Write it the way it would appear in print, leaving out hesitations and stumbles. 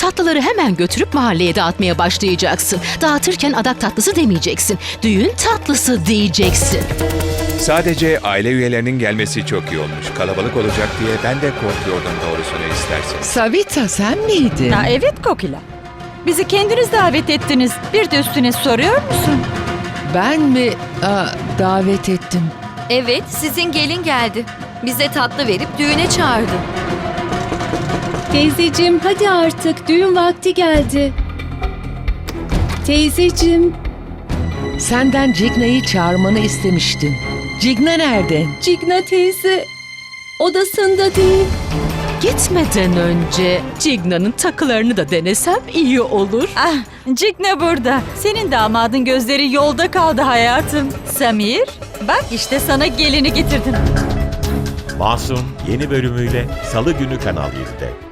tatlıları hemen götürüp mahalleye dağıtmaya başlayacaksın. Dağıtırken adak tatlısı demeyeceksin. Düğün tatlısı diyeceksin. Sadece aile üyelerinin gelmesi çok iyi olmuş. Kalabalık olacak diye ben de korkuyordum doğrusunu isterseniz. Savita sen miydin? Ha, evet Kokila. Bizi kendiniz davet ettiniz. Bir de üstüne soruyor musun? Ben mi davet ettim? Evet, sizin gelin geldi. Bize tatlı verip düğüne çağırdı. Teyzeciğim hadi artık düğün vakti geldi. Teyzeciğim, Senden Cigna'yı çağırmanı istemiştim. Cigna nerede? Cigna teyze odasında değil. Gitmeden önce Cigna'nın takılarını da denesem iyi olur. Ah, Cigna burada. Senin damadın gözleri yolda kaldı hayatım. Samir, bak işte sana gelini getirdim. Masum yeni bölümüyle Salı günü Kanal 7'de.